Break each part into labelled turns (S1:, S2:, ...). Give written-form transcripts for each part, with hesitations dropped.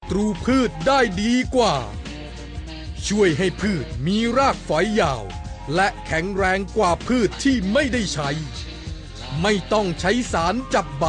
S1: ตรูพืชได้ดีกว่าช่วยให้พืชมีรากฝอยยาวและแข็งแรงกว่าพืชที่ไม่ได้ใช้ไม่ต้องใช้สารจับใบ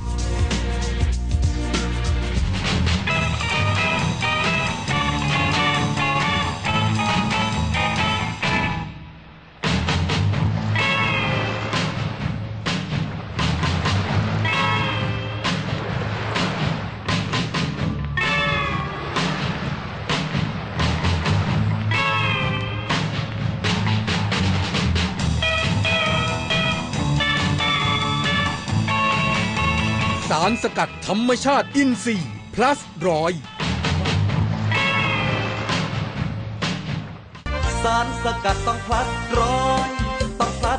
S1: สารสกัดธรรมชาติอินทรีย์ plus 100
S2: สารสกัดต้อง plus 100ต้อง plus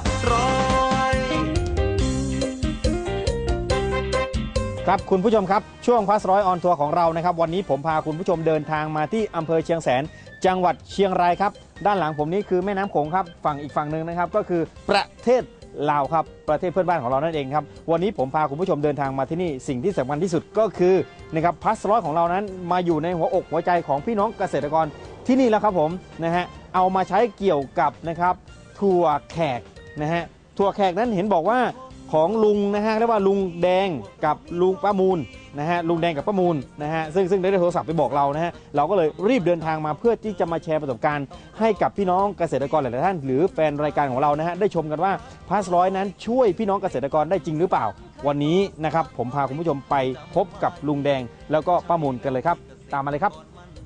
S2: 100
S3: ครับคุณผู้ชมครับช่วงplus 100 on tour ของเรานะครับวันนี้ผมพาคุณผู้ชมเดินทางมาที่อำเภอเชียงแสนจังหวัดเชียงรายครับด้านหลังผมนี้คือแม่น้ำโขงครับฝั่งอีกฝั่งหนึ่งนะครับก็คือประเทศลาวครับประเทศเพื่อนบ้านของเรานั่นเองครับวันนี้ผมพาคุณผู้ชมเดินทางมาที่นี่สิ่งที่สำคัญที่สุดก็คือนะครับplus 100ของเรานั้นมาอยู่ในหัวอกหัวใจของพี่น้องเกษตรกรที่นี่แล้วครับผมนะฮะเอามาใช้เกี่ยวกับนะครับถั่วแขกนะฮะถั่วแขกนั้นเห็นบอกว่าของลุงนะฮะเรียกว่าลุงแดงกับลุงป้ามูลนะฮะลุงแดงกับป้ามูลนะฮะซึ่งได้โทรศัพท์ไปบอกเรานะฮะเราก็เลยรีบเดินทางมาเพื่อที่จะมาแชร์ประสบการณ์ให้กับพี่น้องเกษตรกรหลายๆท่านหรือแฟนรายการของเรานะฮะได้ชมกันว่าplus 100นั้นช่วยพี่น้องเกษตรกรได้จริงหรือเปล่าวันนี้นะครับผมพาคุณผู้ชมไปพบกับลุงแดงแล้วก็ป้ามูลกันเลยครับตามมาเลยครับ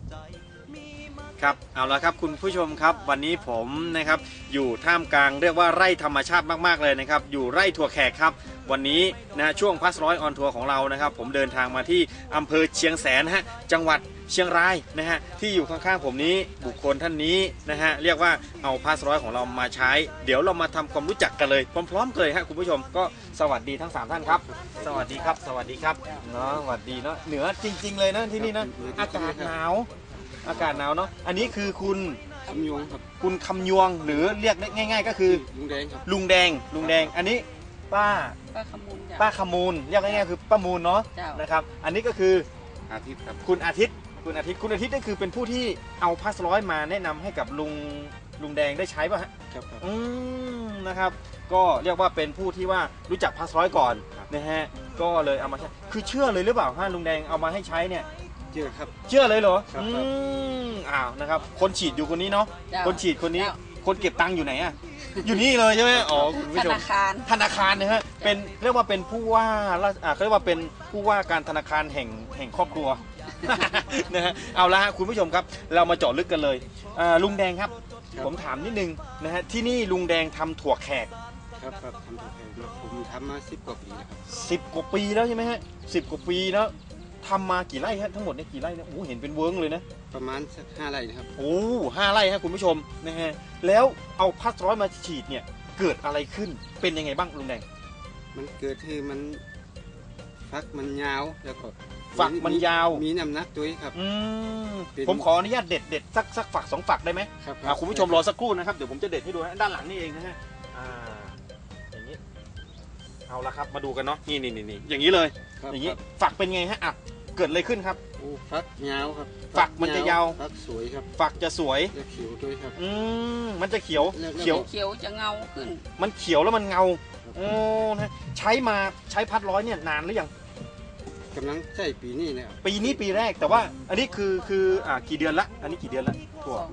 S4: ครับเอาละครับคุณผู้ชมครับวันนี้ผมนะครับอยู่ท่ามกลางเรียกว่าไร่ธรรมชาติมากๆเลยนะครับอยู่ไร่ถั่วแขกครับวันนี้นะช่วงplus 100 on tour ของเรานะครับผมเดินทางมาที่อำเภอเชียงแสนฮะจังหวัดเชียงรายนะฮะที่อยู่ข้างๆผมนี้บุคคลท่านนี้นะฮะเรียกว่าเอาplus 100ของเรามาใช้เดี๋ยวเรามาทำความรู้จักกันเลยพร้อมๆกันเลยฮะคุณผู้ชมก็สวัสดีทั้ง3ท่านครับสวัสดีครับสวัสดีครับเนาะสวัสดีเนาะเหนือจริงๆเลยนะที่นี่นะอากาศหนาวอากาศหนาวเนาะอันนี้คือคุณ
S5: คำยวงครับ
S4: คุณคำยวงหรือเรียกง่ายๆก็คือ
S5: ลุงแดงครับ
S4: ลุงแดงอันนี้ป้า
S6: ขมูล
S4: ป้าขมูลเรียกง่ายๆคือป้ามูลเนาะนะครับอันนี้ก็คือ
S5: อาทิตย์ครับ
S4: คุณอาทิตย์นี่คือเป็นผู้ที่เอาplus 100มาแนะนำให้กับลุงแดงได้ใช้ป่ะฮะ
S5: ครับ
S4: นะครับก็เรียกว่าเป็นผู้ที่ว่ารู้จักplus 100ก่อนนะฮะก็เลยเอามาใช้คือเชื่อเลยหรือเปล่าฮะลุงแดงเอามาให้ใช้เนี่ย
S5: เชื่อครับ
S4: เชื่อเลยเหรอ
S5: ครับ
S4: อ้าวนะครับคนฉีดอยู่คนนี้เนาะคนฉีดคนนี้คนเก็บตังค์อยู่ไหนอะอยู่นี่เลยใช่ไหมอ๋อคุณผู้ชมธนาคารนะฮะเป็นเรียกว่าเป็นผู้ว่าเขาเรียกว่าเป็นผู้ว่าการธนาคารแห่งครอบครัวนะฮะเอาละฮะคุณผู้ชมครับเรามาเจาะลึกกันเลยลุงแดงครับผมถามนิดนึงนะฮะที่นี่ลุงแดงทำถั่วแขก
S5: ครับทำถั่วแขกผมทำมา10 กว่าปีแล้วครับ
S4: 10 กว่าปีแล้วใช่ไหมฮะ10 กว่าปีแล้วทำมากี่ไร่ฮะทั้งหมดเนี่ยกี่ไร่เนี่ยโอ้เห็นเป็นเวิร์กเลยนะ
S5: ประมาณสัก5 ไร่นะครับ
S4: โอ้5 ไร่ฮะคุณผู้ชมนะฮะแล้วเอาplus 100มาฉีดเนี่ยเกิดอะไรขึ้นเป็นยังไงบ้างลุงแดง
S5: มันเกิดที่มันฝักมันยาวแล้วก็
S4: ฝักมันยาว
S5: มีน้ำหนักด้วยครับ
S4: ผมขออนุญาตเด็ดสักฝัก2 ฝักได้ไหม
S5: ครับ
S4: คุณผู้ชมรอสักครู่นะครับเดี๋ยวผมจะเด็ดให้ดูนะด้านหลังนี่เองนะฮะอย่างนี้เอาละครับมาดูกันเนาะนี่อย่างนี้เลยอย่างนี้ฝักเป็นไงฮะเกิดอะไรขึ้นครับ
S5: ฝักยาวครับ
S4: ฝักมันจะยาว
S5: ฝักสวยครับ
S4: ฝักจะสวย
S5: จะเขียวด้วยครับ
S4: มันจะเขียว
S6: จะเงาขึ้น
S4: มันเขียวแล้วมันเงานะใช้plus 100เนี่ยนานหรือยัง
S5: กำลังใช้ปีนี้เนี่ย
S4: ปีนี้ปีแรกแต่ว่าอันนี้คือกี่เดือนละอันนี้กี่เดือนละถั่ว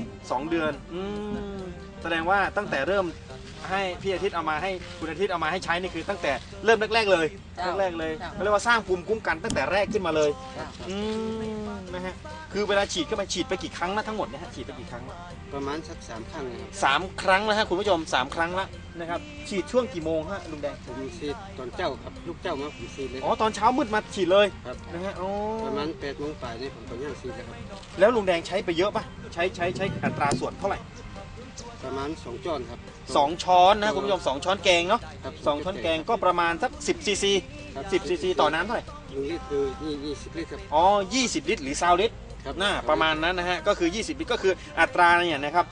S4: 2 เดือนแสดงว่าตั้งแต่เริ่มให้พี่อาทิตย์เอามาให้คุณอาทิตย์เอามาให้ใช้นี่คือตั้งแต่เริ่มแรกเลยเขาเรียกว่าสร้างภูมิคุ้มกันตั้งแต่แรกขึ้นมาเลยนะฮะคือเวลาฉีดเข้าไปฉีดไปกี่ครั้งนะทั้งหมดเนี่ยฮะฉีดไปกี่ครั้ง
S5: ประมาณสัก3 ครั้งนะครับ
S4: 3 ครั้งแล้วฮะคุณผู้ชม3 ครั้งละนะครับฉีดช่วงกี่โมงฮะลุงแดง
S5: ผมฉีดตอนเจ้าครับลูกเจ้ามาผมฉีดเลย
S4: ตอนเช้ามืดมาฉีดเลย
S5: ครับ
S4: นะฮะ
S5: ประมาณ8 โมงป่ายนี่ผมก็ยังฉีดแล้วครับ
S4: แล้วลุงแดงใช้ไปเยอะป่ะใช้อัตราส่วนเท่าไหร่
S5: ประมาณ2 ช้อนครับ
S4: 2 ช้อนนะคุณผู้ชม2 ช้อนแกงเนาะ2 ช้อนแกงก็ประมาณสัก10 ซีซี10 ซีซีต่อน้ำเท่าไหร่
S5: นี่คือ20 ลิตรครับ
S4: 20 ลิตรหรือ20 ลิตรน่าประมาณนั้นนะฮะก็คือ20 ลิตรก็คืออัตราเนี่ยนะครับ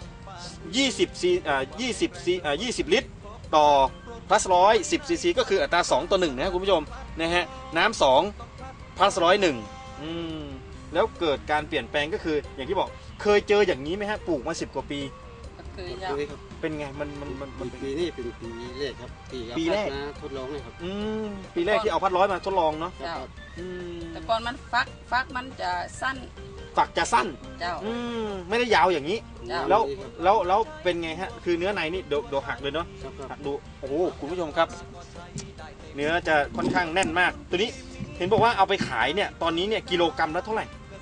S4: 20 ลิตรต่อplus 100 10 ซีซีก็คืออัตรา2 ต่อ 1นะคุณผู้ชมนะฮะน้ำ2plus 100 1 แล้วเกิดการเปลี่ยนแปลงก็คืออย่างที่บอกเคยเจออย่างนี้ไหมฮะปลูกมา10 กว่าปี
S6: ก็คือเจ้า
S5: เคยครับ
S4: เป็นไงมัน
S5: ปีนี้เป็นปีแรกครับที่เอา
S4: ปีแรก
S5: พัดมาทดลองเลยครับ
S4: ปีแรกที่เอาพัดร้อยมาทดลองเนาะ
S6: เจ้า
S4: อืม
S6: แต่ก่อนมันฟักมันจะสั้น
S4: ฝักจะสั้น
S6: เจ้า
S4: ไม่ได้ยาวอย่างนี้
S6: เจ้า
S4: แล้วเป็นไงฮะคือเนื้อในนี่โดหักเลยเนาะ
S5: ครับครับ
S4: หักดูโอ้โหคุณผู้ชมครับ เนื้อจะค่อนข้างแน่นมาก ตัวนี้เห็นบอกว่าเอาไปขายเนี่ยตอนนี้เนี่ยกิโลกรัมละเท่าไหร่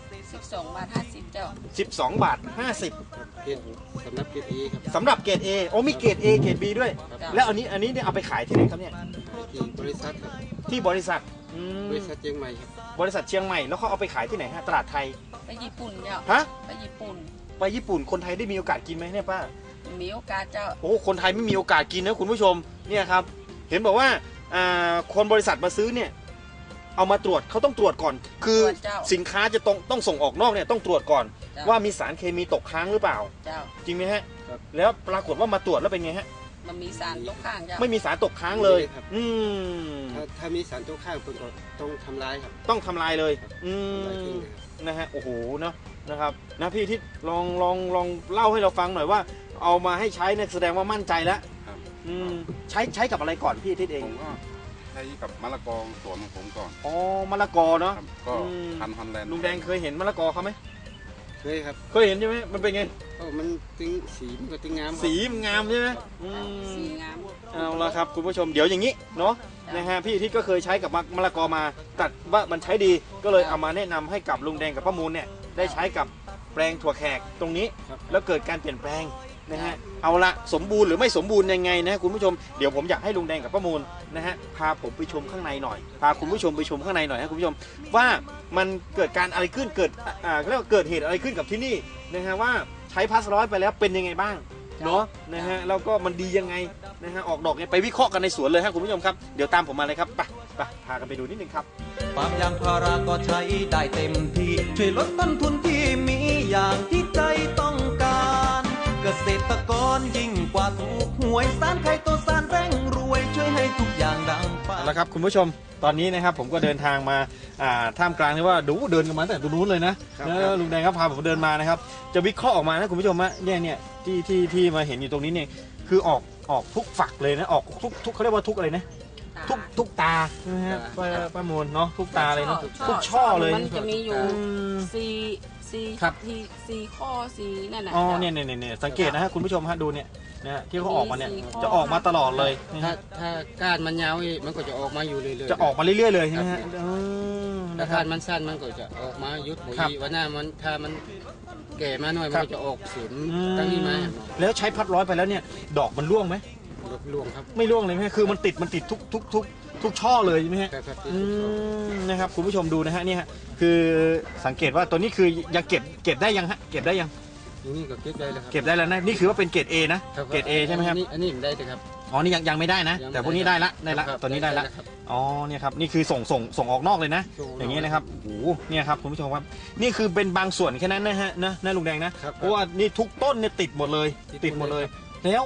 S6: 12 บาท 50 เจ้า
S4: 12 บาท
S5: ครับเกรดสำนักเกรดเอครับ
S4: 50สำหรับเกรด A โอ้มีเกรด A เกรด B ด้วย
S6: เจ้า
S4: แล้วอันนี้เนี่ยเอาไปขายที่ไหนครับเนี่ย
S5: ที่บริษัทครับ
S4: ที่บริษัท
S5: บริษัทเชียงใหม่ครับ
S4: บริษัทเชียงใหม่แล้วเขาเอาไปขายที่ไหนฮะตลาดไทย
S6: ไปญี่ปุ่นเจ้า
S4: ฮะ
S6: ไปญี่ปุ่น
S4: ไปญี่ปุ่นคนไทยได้มีโอกาสกินไหมเนี่ยป้า
S6: มีโอกาสเจ้า
S4: โอ้คนไทยไม่มีโอกาสกินนะคุณผู้ชมเนี่ยครับเห็นบอกว่าคนบริษัทมาซื้อเนี่ยเอามาตรวจเขาต้องตรวจก่อน คือ
S6: ตรวจเจ้า
S4: สินค้าจะต้องส่งออกนอกเนี่ยต้องตรวจก่อน
S6: เจ้า
S4: ว่ามีสารเคมีตกค้างหรือเปล่า
S6: เจ้า
S4: จริงไหมฮะแล้วปรากฏว่ามาตรวจแล้วเป็นไงฮะ
S6: มันมีสารตกค้างเจ้า
S4: ไม่มีสารตกค้างเลย
S5: ถ้ามีสารตกค้างคนก็ต้องทำลายครับ
S4: ต้องทำลายเลย
S5: ทำลายทิ้งนะครับ
S4: นะฮะโอ้โหเนาะนะครับนะพี่ทิศลองเล่าให้เราฟังหน่อยว่า เอามาให้ใช้เนี่ยแสดงว่ามั่นใจแล้ว
S7: ครับ
S4: ใช้กับอะไรก่อนพี่ทิศเอง
S7: ผมก็ใช้กับมะละกอสวนของผมก่อน
S4: อ๋อมะละกอเนาะ
S7: ครับก็
S4: อืม
S7: พันธุ์ฮอลแลนด์
S4: ลุงแดงเคยเห็นมะละกอเขาไหม
S5: เคยครับ
S4: เคยเห็นใช่ไหมมันเป็นไง
S5: ก็มันตึงสีมันก็ตึงงามครับ
S4: สีมันงามใช่ไหมอืม
S6: สีงาม
S4: เอาละครับคุณผู้ชมเดี๋ยวอย่างนี้เนาะนะฮะพี่ทิศก็เคยใช้กับมะละกอมาตัดว่ามันใช้ดีก็เลยเอามาแนะนำให้กับลุงแดงกับป้ามูลเนี่ยได้ใช้กับแปลงถั่วแขกตรงนี้
S5: ครับ
S4: แล้วเกิดการเปลี่ยนแปลงนะฮะเอาละสมบูรณ์หรือไม่สมบูรณ์ยังไงนะคุณผู้ชมเดี๋ยวผมอยากให้ลุงแดงกับป้ามูลนะฮะพาผมไปชมข้างในหน่อยพาคุณผู้ชมไปชมข้างในหน่อยนะคุณผู้ชมว่ามันเกิดการอะไรขึ้นเกิดเรียกว่าเกิดเหตุอะไรขึ้นกับที่นี่นะฮะว่าใช้พาสร้อยไปแล้วเป็นยังไงบ้างเนาะนะฮะแล้วก็มันดียังไงนะฮะออกดอกเนี่ยไปวิเคราะห์กันในสวนเลยครับคุณผู้ชมครับเดี๋ยวตามผมมาเลยครับไปพากันไปดูนิดนึงครับ
S2: ปาล์มยางพาราก็ใช้ได้เต็มที่ ช่วยลดต้นทุนที่มีอย่างที่ใจต้องการ เกษตรกรยิ่งกว่าถูกหวยสารไข่ตัวสารแร่งรวย ช่วยให้ทุกอย่างดังฝัน
S4: เอาละครับคุณผู้ชมตอนนี้นะครับผมก็เดินทางมาท่ามกลางที่ว่าดูเดินกันมาตั้งแต่ตรงนู้นเลยนะครับ แล้วลุงแดงครับพาผมเดินมานะครับจะวิเคราะห์ออกมานะคุณผู้ชมฮะเนี่ยที่มาเห็นอยู่ตรงนี้เนี่ยคือออกทุกฝักเลยนะออกทุกเขาเรียกว่าทุกอะไรนะทุกตาใช่ไหมฮะป้าโมนเนาะทุกตาเลยเนาะทุกช่อเลย
S6: มันจะมีอยู่
S4: อืม
S6: สี่
S4: ครับ
S6: สี่ข้อสี่นั่นน่ะ
S4: อ๋อ
S6: จ้า
S4: เนี่ยสังเกตนะฮะคุณผู้ชมฮะดูเนี่ยนะฮะที่เขาออกมาเนี่ย
S6: มีสี่ข้อ
S4: จะออกมาตลอดเลยนะ
S5: ถ้า
S4: ฮะ
S5: ถ้าก้านมันยาวอีกมันก็จะออกมาอยู่เรื่อยๆ
S4: จะออกมาเรื่อยๆเลยใช่ไหมฮะ
S5: ครับ
S4: นะค
S5: ถ้า
S4: รับ
S5: ก้านมันสั้นมันก็จะออกมายุดหมด
S4: ครับ
S5: วันหน้ามันถ้ามันแก่มาหน่อย
S4: ค
S5: มั
S4: รั
S5: น
S4: บ
S5: ก็จะออกสูงตั้งนี้มา
S4: แล้วใช้พัดร้อยไปแล้วเนี่ยดอกมันร่วงไหม
S5: ลดลวงครับ
S4: ไม่ร่วงเลยไหมคือมันติดทุกช่อเลยใช่ไหมฮะ
S5: ครับ
S4: นะครับคุณผู้ชมดูนะฮะนี่ฮะคือสังเกตว่าตัวนี้คือยังเก็บได้ยังฮะเก็บได้ยัง
S5: นี่ก็เก็บได้แล้วครับ
S4: เก็บได้แล้วนะนี่คือว่าเป็นเกรด A นะ
S5: ครับ
S4: เกรด A ใช่ไหมครับ
S5: อันนี้มันได้แต่ครับ
S4: อ๋อนี่ยังไม่ได้นะ
S5: ยังไม่
S4: แต่พวกนี้ได้ละ
S5: ครับ
S4: ตัวนี้ได้ละ
S5: ครับ
S4: อ๋อเนี่ยครับนี่คือส่งออกนอกเลยนะ อย่างนี้นะครับโอ้โหเนี่ยครับคุณผู้ชมครับนี่คือเป็นบางส่วนแค่นั้นนะฮะนะลุงแดงนะครับ เพราะว่านี่ทุกต้นเนี่ยติดหมดเลย
S5: ติดหมดเลย
S4: แล้ว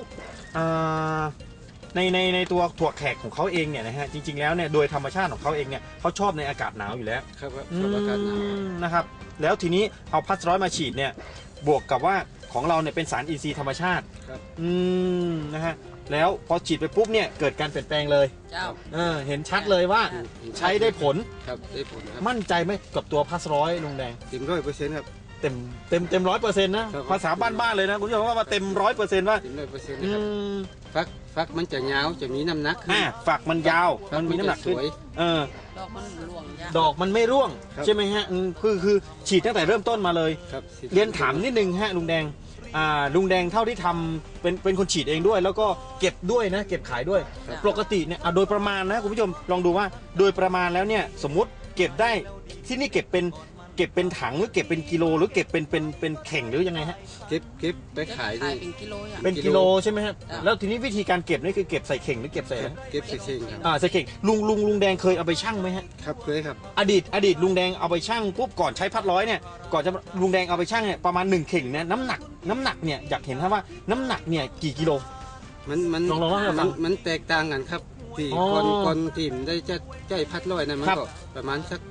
S4: ในตัวถั่วแขกของเขาเองเนี่ยนะฮะจริงๆแล้วเนี่ยโดยธรรมชาติของเขาเองเนี่ยเขาชอบในอากาศหนาวอยู่แล้ว
S5: ครับชอบอากาศหนาว
S4: นะครับแล้วทีนี้เอาพัสร้อยมาฉีดเนี่ยบวกกับว่าของเราเนี่ยเป็นสารอินทรีย์ธรรมชาติ
S5: ครับ
S4: นะฮะแล้วพอฉีดไปปุ๊บเนี่ยเกิดการเปลี่ยนแปลงเลย
S6: เจ้า
S4: เห็นชัดเลยว่าใช้ได้ผล
S5: ครับได้ผลครับ
S4: มั่นใจไหมกับตัวพัสร้อยลุงแดง
S5: เต็ม100%ครับ
S4: เต็ม100%นะครับ ภาษาบ้านๆเลยนะคุณผู้ชมว่าเต็ม100%ว่า
S5: เต็ม100%นะ
S4: อื
S5: ครับ
S4: ม
S5: ฟักมันจะยาวจะมีน้ำหนักขึ้น
S4: ฝักมันยาว
S5: ฟั
S4: มันมีน้ำหนักขึ้น
S5: จะสวย
S6: ดอกมันหลวงจ้า
S4: ดอกมันไม่ร่วง
S5: ครับ
S4: ใช่ไหมฮะคือฉีดตั้งแต่เริ่มต้นมาเลย
S5: ครับ
S4: เรียนถามนิดนึงฮะลุงแดงลุงแดงเท่าที่ทำเป็นคนฉีดเองด้วย แล้วก็เก็บด้วยนะเก็บขายด้วย ปกติเนี่ยโดยประมาณนะคุณผู้ชมลองดูว่าโดยประมาณแล้วเนี่ยสมมุติเก็บได้ที่นี่เก็บเป็นถังหรือเก็บเป็นกิโลหรือเก็บเป็นเข่งหรือยังไงฮะ
S5: เก็บไปขาย
S6: ขา
S5: นี่
S6: ยเป็นกิโลอย่าง
S4: เป็นกิโลใช่ไหมฮะ
S6: จ้ะ
S4: แล้วทีนี้วิธีการเก็บนี่คือเก็บใส่เข่งหรือเก็บใส่อะไร
S5: เก็บใส่เข่งครับ
S4: ใส่เข่งลุงแดงเคยเอาไปชั่งไหมฮะ
S5: ครับเคยครับ
S4: อดีตลุงแดงเอาไปชั่งปุ๊บก่อนใช้พัดร้อยเนี่ยก่อนจะลุงแดงเอาไปชั่งเนี่ยประมาณ1เข่งเนี่ยน้ำหนักเนี่ยอยากเห็นครับว่าน้ำหนักเนี่ยกี่กิโล
S5: มัน
S4: ลองเล่าให้ฟัง
S5: มันแตกต่างกันครับที่
S4: อ๋อ
S5: ก่อนที่มันได้จะใจพัดลอยนะมัน
S4: ครับ
S5: ก็ประมาณสัก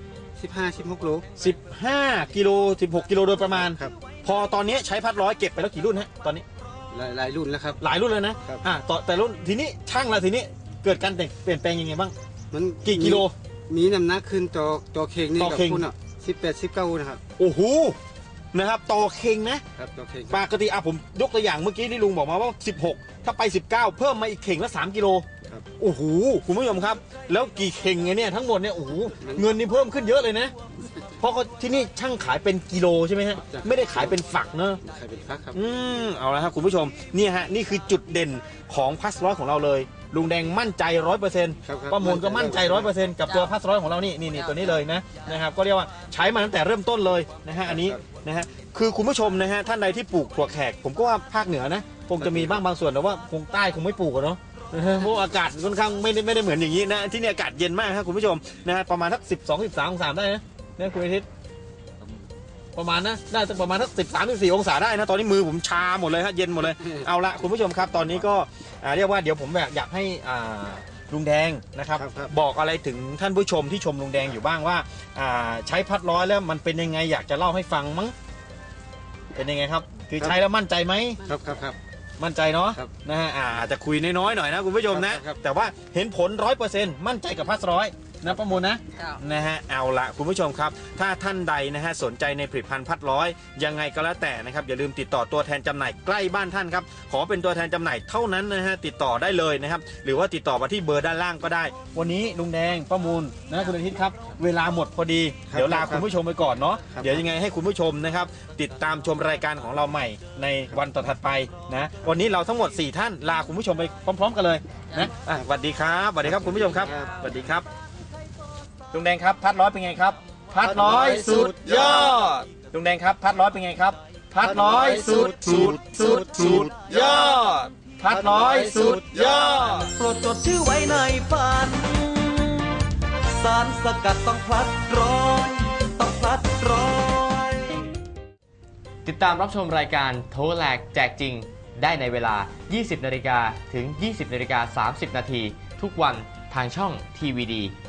S5: 15-16 โล
S3: 15 กิโล 16 กิโลโดยประมาณ
S5: ครับ
S3: พอตอนนี้ใช้พัดร้อยเก็บไปแล้วกี่รุ่นฮะตอนนี้
S5: หลายรุ่นแล้วครับ
S3: หลายรุ่นเลยนะครับ ต่อแต่รุ่นทีนี้ช่างละทีนี้เกิดการเปลี่ยนแปลงยังไงบ้าง
S5: มัน
S3: กี่กิโล
S5: มีน้ำหนักขึ้นต่อเข่งนี่
S3: ต่อ
S5: กับ
S3: เข่ง
S5: คุณอ่ะ18-19นะครับ
S3: โอ้โหนะครับต่อเข่งนะ
S5: ครับต่อเข่ง
S3: ปกติผมยกตัวอย่างเมื่อกี้ที่ลุงบอกมาว่า 16 ถ้าไป 19 เพิ่มมาอีกเข่งละ3 กิโล
S5: ครับ
S3: โอ้โหคุณผู้ชมครับ แล้วกี่เข่งไงเนี่ยทั้งหมดเนี่ยโอ้โหเงินนี่เพิ่มขึ้นเยอะเลยนะ เพราะเขาที่นี่ช่างขายเป็นกิโลใช่ไหมฮะไม่ได้ขายเป็นฝักเนอะ
S5: ใครเป็นฟักครับ
S3: เอาละครับคุณผู้ชมเนี่ยฮะนี่คือจุดเด่นของพัสร้อยของเราเลยลุงแดงมั่นใจ 100%
S5: ครับ
S3: ประมูลก็มั่นใจ 100%กับตัวพัสร้อยของเรานี่ตัวนี้เลยนะครับก็เรียกว่าใช้มาตั้งแต่เริ่มต้นเลยนะฮะอันนี้นะฮะคือคุณผู้ชมนะฮะท่านใดที่ปลูกถั่วแขกผมก็ว่าภาคเหนือนะคงจะมีบ้างบางส่วนแต่ว่าคงใต้คงไม่ปลูกอะเนาะเพราะอากาศค่อนข้างไม่ได้เหมือนอย่างนี้นะที่นี่อากาศเย็นมากครับคุณผู้ชมนะฮะประมาณสัก12-13 องศาได้นะคุณอาทิตย์ประมาณนะน่าจะประมาณสัก13-14 องศาได้นะตอนนี้มือผมชาหมดเลยฮะเย็นหมดเลยเอาละคุณผู้ชมครับตอนนี้ก็เรียกว่าเดี๋ยวผมอยากให้ลุงแดงนะครับ
S5: ครับ
S3: บอกอะไรถึงท่านผู้ชมที่ชมลุงแดงอยู่บ้างว่าใช้พัดร้อยแล้วมันเป็นยังไงอยากจะเล่าให้ฟังมั้งเป็นยังไงครับคือใช้แล้วมั่นใจไหม
S5: ครับ
S3: มั่นใจเนาะ
S5: ครับ
S3: นะฮะอาจจะคุยน้อยๆหน่อยนะคุณผู้ชมนะครับ แต่ว่าเห็นผล 100%มั่นใจกับพัดร้อยนะประมูลนะ
S6: เจ้า
S3: นะฮะเอาละคุณผู้ชมครับถ้าท่านใดนะฮะสนใจในผลิตภัณฑ์พัดร้อยยังไงก็แล้วแต่นะครับอย่าลืมติดต่อตัวแทนจำหน่ายใกล้บ้านท่านครับขอเป็นตัวแทนจำหน่ายเท่านั้นนะฮะติดต่อได้เลยนะครับหรือว่าติดต่อมาที่เบอร์ด้านล่างก็ได้ วันนี้ลุงแดงประมูลนะคุณอาทิตย์ครับเวลาหมดพอดี
S5: ครับ
S3: เดี๋ยวลาคุณผู้ชมไปก่อนเนาะ
S5: ครับ
S3: เดี๋ยวยังไงให้คุณผู้ชมนะครับติดตามชมรายการของเราใหม่ในวันต่อถัดไปนะวันนี้เราทั้งหมด4ท่านลาคุณผู้ชมไปพร้อม ๆ กันเลยนะสวัสดีครับสวัสดีครับคุณผู้ชมครับสวัสดีครับ ลุงแดงครับพัดร้อยเป็นไงครับพัดร้อยสุดยอดลุงแดงครับพัดร้อยเป็นไงครับพัดร้อยสุดยอดพัดร้อยสุดยอด
S2: โปรดจดชื่อไว้ในฝัน สารสกัดต้องพลัดร้อยต้องพลัดร้อย
S8: ติดตามรับชมรายการโทรแหลกแจกจริงได้ในเวลา 20 นาฬิกาถึง 20 นาฬิกา 30 นาทีทุกวันทางช่อง TVD